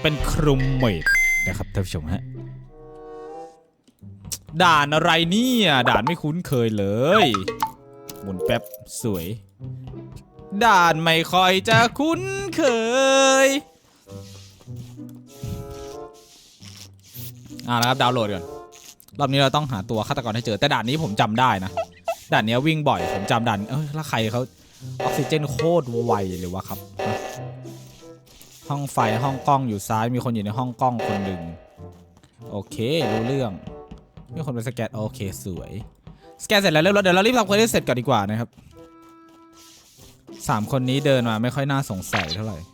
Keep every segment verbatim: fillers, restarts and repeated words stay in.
เป็นครูเมดนะครับท่านผู้ชมฮะด่านอะไรเนี่ยด่านไม่คุ้นเคยเลยหมุนแป๊บสวยด่านไม่ค่อยจะคุ้นเคยอ่านะครับดาวน์โหลดก่อนรอบนี้เราต้องหาตัวฆาตกรให้เจอแต่ด่านนี้ผมจำได้นะด่านนี้วิ่งบ่อยผมจำด่านเอ้ยแล้วใครเขาออกซิเจนโคตรไวเลยวะครับห้องไฟห้องกล้องอยู่ซ้ายมีคนอยู่ในห้องกล้องคนหนึ่งโอเครู้เรื่องมีคนไปสแกนโอเคสวยสแกนเสร็จแล้วเดี๋ยวเรารีบทำเควสเสร็จก่อนดีกว่านะครับสามคนนี้เดินมาไม่ค่อยน่าสงสัยเท่าไหร่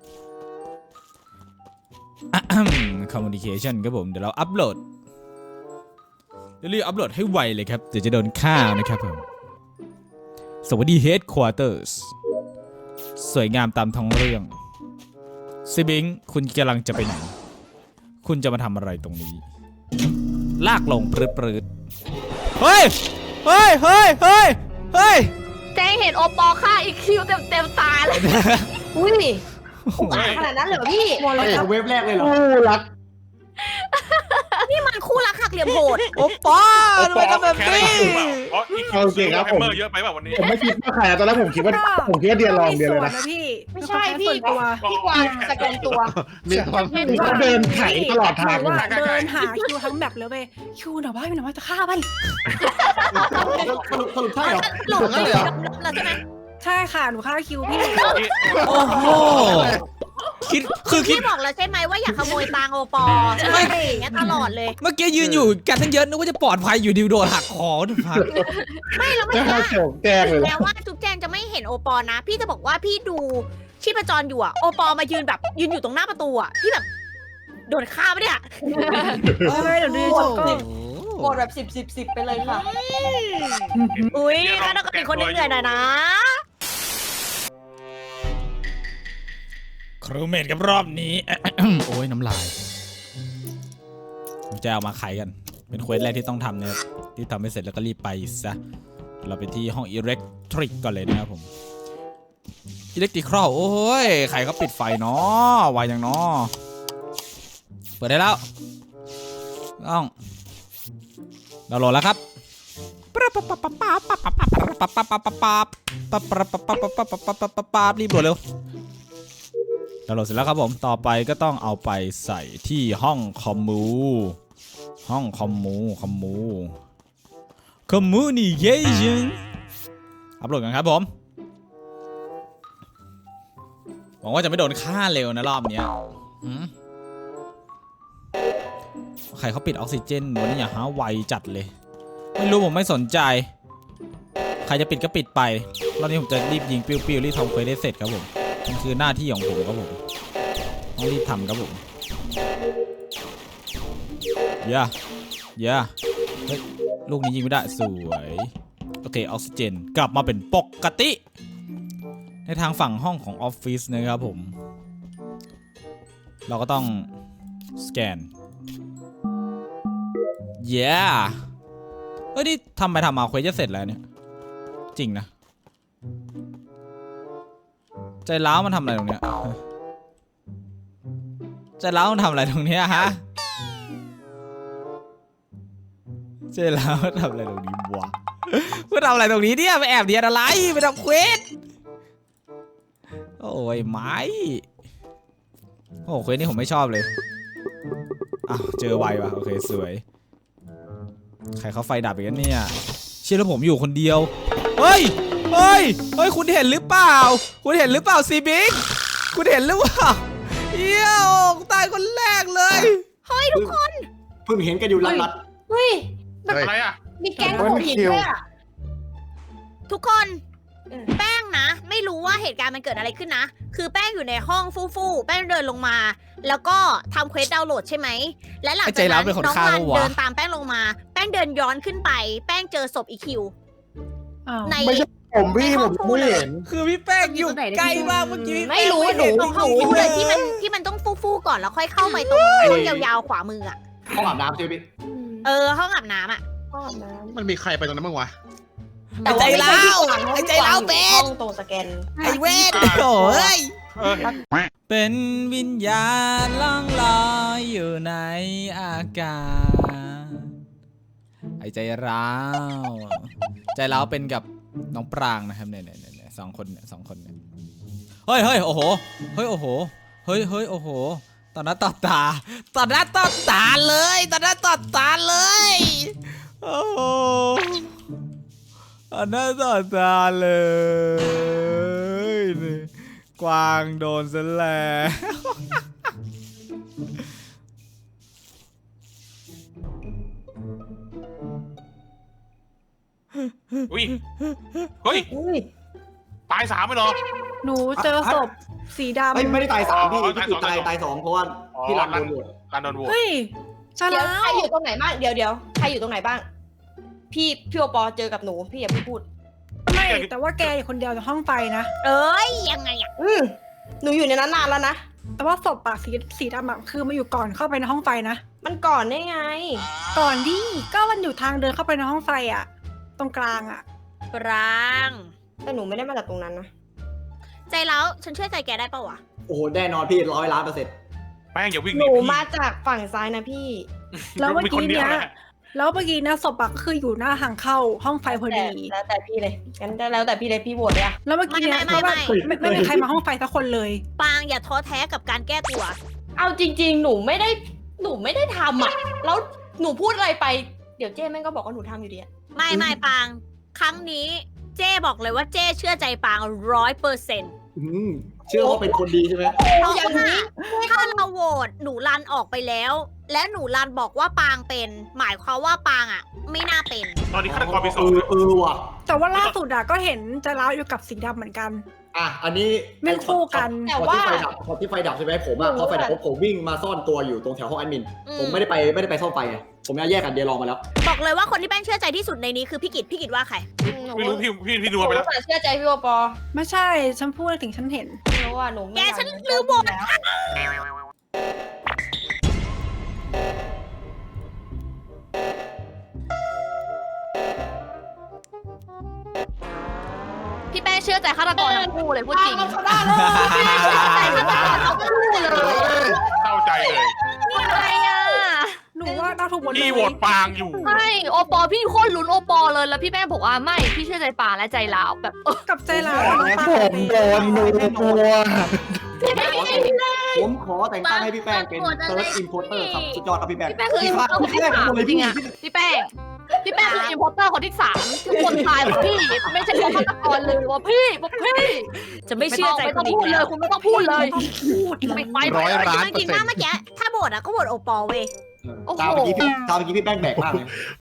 communication ครับผมเดี๋ยวเราอัปโหลดเดี๋ยวรีบอัปโหลดให้ไวเลยครับเดี๋ยวจะโดนฆ่านะครับผมสวัสดี headquarters สวยงามตามท้องเรื่องซิบิงคุณกำลังจะไปไหนคุณจะมาทำอะไรตรงนี้ลากลงปรืดๆเฮ้ยเฮ้ยเฮ้ยเฮ้ยเฮ้ยแจ้งเห็นโอปอฆ่าอีกคิวเต็มเต็มตาเลยอุ้ยอุกอาจขนาดนั้นเหรอพี่มอลล์เว็บแรกเลยเหรอคู่รักนี่มันคู่รักหักเหลี่ยมโหดโอปอทำไมทำแบบนี้โอเคครับผมเยอะไปแบบวันนี้ผมไม่คิดว่าใครตอนแรกผมคิดว่าผมคิดว่าเดียร์ลองเดียร์เลยนะพี่ไม่ใช่พี่พี่กวางสแกนตัวมีความเขาเดินไถตลอดทางเดินหาคิวทั้งแบบเลยเว้ยคิวหน่อยว่าหน่อยว่าจะฆ่ามันสรุปสรุปใช่เหรอหลงเลยเหรอใช่ไหมใช่ค่ะหนูฆ่าคิวพี่โอ้โหคิดคือคิดบอกแล้วใช่ไหมว่าอยากขโมยตังโอปอไม่อย่างเงี้ยตลอดเลยเมื่อกี้ยืนอยู่กันทั้งเยอะนึกว่าจะปลอดภัยอยู่ดิวโดนหักคอทุกพักไม่แล้วไม่ว่าแจ้งเลยแล้วว่าจุ๊บแจงจะไม่เห็นโอปอนะพี่จะบอกว่าพี่ดูชีพจรอยู่อะโอปอมายืนแบบยืนอยู่ตรงหน้าประตูอะพี่แบบโดนฆ่าปะเนี่ยไม่เดี๋ยวดูโชว์ก็กดแบบสิบสิบสิบไปเลยค่ะอุ้ยฆาตกรอีกคนนึงเหนื่อยหน่อยนะครูเมดกับรอบนี้โอ้ยน้ำลายจะเอามาไขกันเป็นเควสแรกที่ต้องทำนะครับที่ทำให้เสร็จแล้วก็รีบไปซะเราไปที่ห้องอิเล็กทริกก่อนเลยนะครับผมอิเล็กทริกครอโอ้ยใครเขาปิดไฟเนาะไวอย่างเนาะเปิดได้แล้วต้องเราโหลดแล้วครับรีบโหลดเร็วดาวน์โหลดเสร็จแล้วครับผมต่อไปก็ต้องเอาไปใส่ที่ห้องคอมมูห้องคอมมูคอมมูคอมมูนิเคชั่นอัปโหลดกันครับผมหวังว่าจะไม่โดนฆ่าเร็วนะรอบนี้ใครเขาปิดออกซิเจนวันนี้อย่าหาไวจัดเลยไม่รู้ผมไม่สนใจใครจะปิดก็ปิดไปรอบนี้ผมจะรีบยิงปิ้วๆรีบทำเควสได้เสร็จครับผมมันคือหน้าที่ของผมครับผมต้องรีบทำครับผมย่าย่าเฮ้ยลูกนี้ยิงไม่ได้สวยโอเคออกซิเจนกลับมาเป็นปกติในทางฝั่งห้องของออฟฟิศนะครับผมเราก็ต้องสแกนย่าเฮ้ยนี่ทำไปทำมาเควสจะเสร็จแล้วเนี่ยจริงนะใจร้าวมันทำอะไรตรงเนี้ยใจร้าวมันทำอะไรตรงเนี้ยฮะใจร้าวมันทำอะไรตรงนี้วะมันทำอะไรตรงนี้เนี่ยไปแอบเดียนอะไรไปทำเควสโอ้ยไม้โอ้เควสนี่ผมไม่ชอบเลยอ้าวเจอไวว่ะโอเคสวยใครเขาไฟดับอย่างนี้เนี่ยเชื่อแล้วผมอยู่คนเดียวเฮ้ยเฮ้ยเฮ้ยคุณเห็นหรือเปล่าคุณเห็นหรือเปล่าซีบิ๊กคุณเห็นหรือเปล่าเยี่ยวตายคนแรกเลยเฮ้ยทุกคนเพิ่งเห็นกันอยู่ลัดๆเฮ้ยแบบอะไรอ่ะมีแก๊งของหินด้วยอ่ะทุกคนแป้งนะไม่รู้ว่าเหตุการณ์มันเกิดอะไรขึ้นนะคือแป้งอยู่ในห้องฟู่ๆแป้งเดินลงมาแล้วก็ทำเควสดาวน์โหลดใช่ไหมและหลังจากนั้นน้องมันเดินตามแป้งลงมาแป้งเดินย้อนขึ้นไปแป้งเจอศพอีคิวในไม่ใช่ผมพี่ผมไม่เห็นคือพี่แป้งอยู่ใกล้มากเมื่อกี้ไม่รู้หนูตรงห้องฟู่เลยที่มันที่มันต้องฟู่ๆก่อนแล้วค่อยเข้าไปตรงห้องยาวๆขวามืออ่ะห้องอาบน้ำใช่ไหมเออห้องอาบน้ำอ่ะมันมีใครไปตรงนั้นบ้างวะไอ้ใจเล้าไอ้ใจเล้าเป็นห้องตรงสแกนไอ้เวทโอ้ยเออเป็นวิญญาณล่องลอยอยู่ในอากาศไอ้ใจร้าวใจร้าวเป็นกับน้องปรางนะครับเนี่ยเนี่ยเนี่ยสองคนเนี่ยสองคนเนี่ยเฮ้ยเฮ้ยโอ้โหเฮ้ยโอ้โหเฮ้ยเฮ้ยโอ้โหตอนนั้นต่อตาตอนนั้นต่อตาเลยตอนนั้นต่อตาเลยโอ้โหตอนนั้นต่อตาเลยนี่กวางโดนซะแล้วอุ้ยเฮ้ยอุ้ยตายสามไปเหรอหนูเจอศพสีดำไม่ไม่ได้ตายสามพี่อ๋อพี่จุดตายตาตาย ยสสออง งเพราะว่าพี่รันโดนโหวตการโดนโหวตเฮ้ยจะเดี๋ยวแล้ใครวอยู่ตรงไหนบ้าง เดี๋ยวเดี๋ยวใครอยู่ตรงไหนบ้าง พี่พี่โอปอเจอกับหนู พี่อย่าเพิ่งพูดไม่แต่ว่าแกอยู่คนเดียวในห้องไฟนะเอ้ยยังไงอะอืมหนูอยู่ในนั้นนานแล้วนะแต่ว่าศพอะสีสีดำอะคือมาอยู่ก่อนเข้าไปในห้องไฟนะมันก่อนได้ไงก่อนดิก็มันอยู่ทางเดินเข้าไปในห้องไฟอะตรงกลางอะปรางแต่หนูไม่ได้มาจากตรงนั้นนะใจแล้วฉันเชื่อใจแกได้ปะวะโอ้โหแน่นอนพี่ร้อยล้านเปอร์เซ็นต์แป้งอย่าวิ่งหหนีนูพี่มาจากฝั่งซ้ายนะพี่แล้วเมื่อมีคกี้นเดียวเนี้ยแหละแล้วเมื่อกี้นะศพอะคืออยู่หน้าทางเข้าห้องไฟพอแต่ดีแล้วแต่พี่เลยงั้นแล้วแต่พี่เลยพี่โหวตเลยอะแล้วเมื่อกี้เนี่ยเพราะว่าไม่ไม่มีใครมาห้องไฟสักคนเลยปางอย่าท้อแท้กับการแก้ตัวเอาจริง ๆ หนูไม่ได้ หนูไม่ได้ทำอะแล้วหนูพูดอะไรไป เดี๋ยวเจ้แม่งก็บอกว่าหนูทำอยู่ดีอะไม่ไม่ปาง ครั้งนี้เจ้บอกเลยว่าเจ้เชื่อใจปางร้อยเปอร์เซ็นต์อืมเชื่อว่าเป็นคนดีใช่ไหมเพราะอย่างว่านี้ถ้าเราโหวตหนูรันออกไปแล้ว และหนูรันบอกว่าปางเป็น หมายความว่าปางอ่ะ ไม่น่าเป็นตอนนี้ฆาตกรมีสเอองอเออว่ะแต่ว่าล่าสุดอะก็เห็นใจร้าวอยู่กับสีดำเหมือนกันอ่ะอันนี้แม่งคู่กันพอที่ไฟดับพอที่ไฟดับใช่ไหมผมอ่ะพอไฟดับปุ๊บผมวิ่งมาซ่อนตัวอยู่ตรงแถวห้องแอดมินอืมผมไม่ได้ไปไม่ได้ไปซ่อมไฟไงผมจะแยกกันเดียร์ลองมาแล้วบอกเลยว่าคนที่แป้งเชื่อใจที่สุดในนี้คือพี่กิตพี่กิตว่าใครหนูไม่รู้พี่พี่พี่หนันูวไปแล้วแต่เชื่อใจพี่โอปอไม่ใช่ ฉันพูดถึงฉันเห็นไม่รู้ว่าหนูไม่แกอยาฉันลืมโหวตแล้วพี่แป้งเชื่อใจฆาตกรทั้งคู่เลยพูดจริงเอาเขาได้เลยพี่แป้งเชื่อใจฆาตกรทั้งคู่เลยเข้าใจเลยอะไรอ่ะหนูว่าเราถูกหมดเลยพี่โหวตปางอยู่ไม่โอปอพี่โคตรลุ้นโอปอเลยแล้วพี่แป้งบอกว่าไม่พี่เชื่อใจปางและใจลาวแบบเออกับใจร้าวกับน้องปางผมโดนมือตัว ผมขอแต่งตั้งให้พี่แป้งเป็น Third Importer ครับสุดยอดครับพี่แป้งพี่แป้งคืออินโพสเตอร์คนที่สามจริงอ่ะพี่แป้งพี่แป้งคืออินโพสเตอร์คนที่สามทุกคนตายว่าพี่ไม่ใช่ฆาตกรเลยว่าพี่บอกพี่จะไม่เชื่อใจไม่คต้อน งอีกพูดเลแล้ยว คุณไม่ต้องพูดเลยพูดเลยไม่ไปร้อยไม่ล้านจริงๆว่าเมื่อกี้ถ้าโหวตอะก็โหวตโอปอลเว้ยตามเมื่อกี้พี่ตามเมื่อกี้พี่แป้งแบกมากเลย